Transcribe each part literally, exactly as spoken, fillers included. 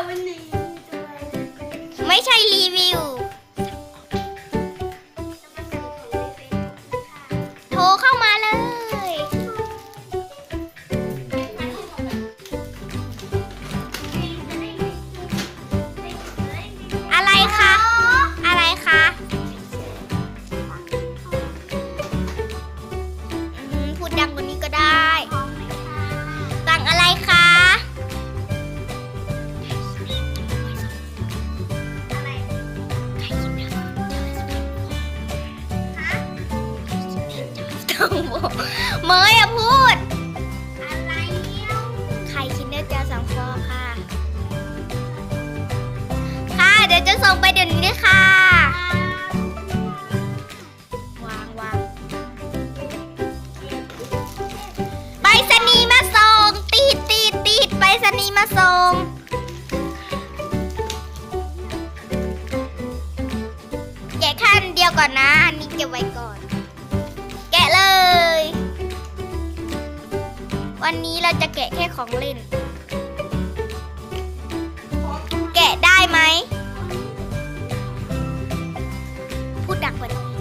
วันนี้ไม่ใช่รีวิวโทรเข้ามาเลยอะไรคะอะไรคะอืมพูดดังกว่านี้ก็ได้สั่งอะไรคะเมยอะพูดอะไรเนี่ยไข่คินเนอร์เจลสองฟองค่ะค่ะเดี๋ยวจะส่งไปเดี๋ยวนี้เลยค่ะวางวางไปรษณีย์มาส่งติดติดติดไปรษณีย์มาส่งแกะขั้นเดียวก่อนนะอันนี้เก็บไว้ก่อนแกะเลยวันนี้เราจะแกะแค่ของเล่นแกะได้ไหมพูดดังกว่านี้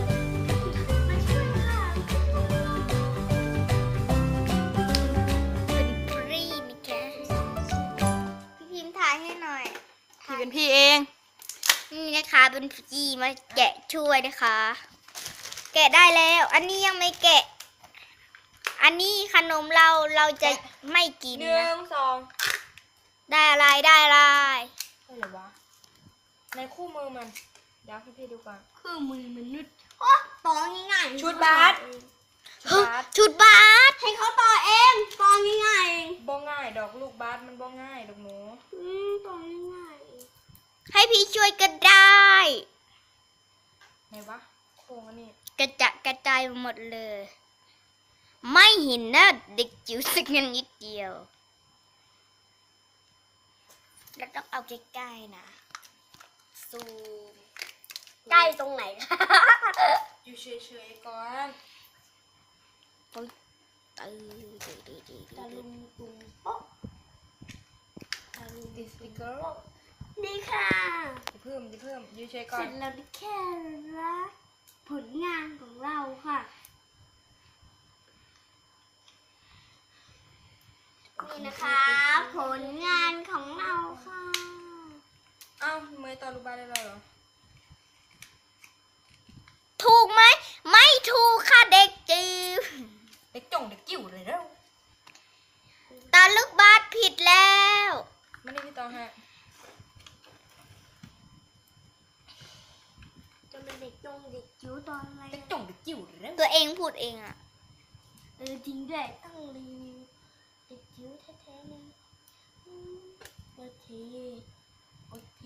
เป็นฟรีนี่แกพี่พิมพ์ถ่ายให้หน่อยพี่เป็นพี่เองนี่นะคะเป็นฟรีมาแกะช่วยนะคะ แกะได้แล้วอันนี้ยังไม่แกะอันนี้ขนมเราเราจะไม่กินหนึ่นะงสองได้อะไรได้อะไรอะไรวะในคู่มือมันเดี๋ยวให้พี่ดูก่อนคือมือมนุษย์โอ้ต่อง่ายๆชุดบาสชุดชุดบาสให้เขาต่อเองต่อง่ายบ้องง่ายดอกลูกบาสมันบ้องง่ายดอกหนูๆอืมต่อง่ายให้พี่ช่วยก็ได้ไหนวะโค้งอันนี้กระจะกระจายหมดเลย ไม่เห็นนะเด็กจิ๋วสักนิดเดียวเราต้องเอาใกล้ๆนะซูมๆใกล้ตรงไหนคะอยู่เฉยๆก่อนตื้อตื้อตื้อตื้อตื้อตะลุมตุมโป๊ะตะลุมติดสติกเกอร์นี่ค่ะจะเพิ่มจะเพิ่มอยู่เฉยก่อเสร็นจแล้วแค่ละผลงานของเราค่ะนี่นะคะผลงานของเราค่ะเอ้าเมย์ต่อลูกบาสได้แล้วเหรอถูกไหมไม่ถูกค่ะเด็กจิ๋วเด็กจ่งเด็กจิ๋วเลยแล้วตาลูกบาสผิดแล้วไม่ได้พี่ต่อฮะจะเป็นเด็กจงเด็กจิ๋วตอนอะไรเด็กอะจ่งเด็กจิ๋วเลยแล้วตัวเองพูดเองอะเออจริงด้วยต้องรีวิวเด็กจิ๋วแท้ๆเลยอืมโอเคโอเค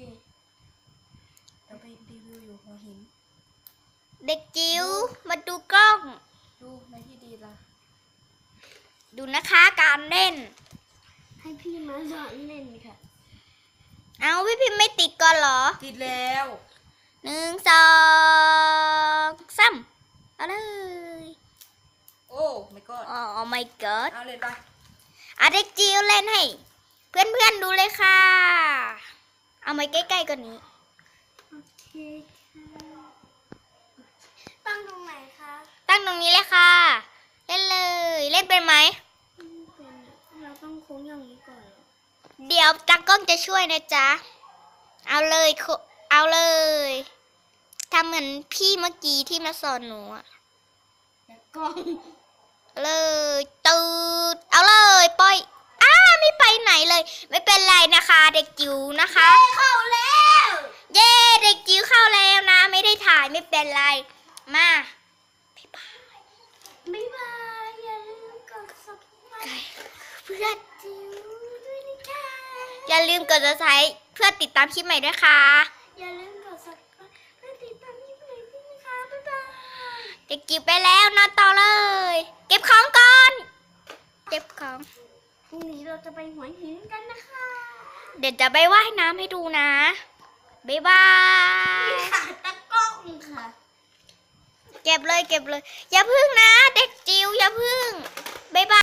เราไปรีวิวอยู่หัวหินเด็กจิ๋วมาดูกล้องดูในที่ดีละดูนะคะการเล่นให้พี่มาสอนเล่นค่ะเอาพี่พิมพ์ไม่ติดก่อนเหรอติดแล้วหนึ่งสองสามเอาเลยโอ้ไม่ก็อ๋อ my god เอาเลยไปอ่ะเด็กจิ๋วเล่นให้ เพื่อนๆดูเลยค่ะ เอามาใกล้ๆกว่านี้โอเคค่ะตั้งตรงไหนคะตั้งตรงนี้เลยค่ะ เล่นเลย เล่นเป็นไหมไม่เป็นอะเราต้องโค้งอย่างนี้ก่อนเหรอเดี๋ยวตากล้องจะช่วยนะจ๊ะ เอาเลยโคเอาเลยทำเหมือนพี่เมื่อกี้ที่มาสอนหนูอะแล้วกล้องเลยตืดเอาเลยปล่อยอ้าไม่ไปไหนเลย ไม่เป็นไรนะคะ เด็กจิ๋วนะคะเข้าแล้วเย้เด็กจิ๋วเข้าแล้วนะ ไม่ได้ถ่ายไม่เป็นไรมาบ๊ายบายบ๊ายบายอย่าลืมกด subscribe เพื่อนจิ๋วด้วยนะคะอย่าลืมกดติดตามเพื่อติดตามคลิปใหม่ด้วยค่ะอย่าลืมกด subscribe เพื่อติดตามคลิปใหม่ด้วยนะคะ บ๊ายบายเด็กจิ๋วไปแล้วนอนต่อเลย เก็บของก่อนเก็บของพรุ่งนี้เราจะไปหัวหินกันนะคะเดี๋ยวจะไปว่ายน้ำให้ดูนะบ๊ายบายขาตะกล้องค่ะเก็บเลยเก็บเลย อย่าพึ่งนะ เด็กจิ๋วอย่าพึ่งบ๊ายบาย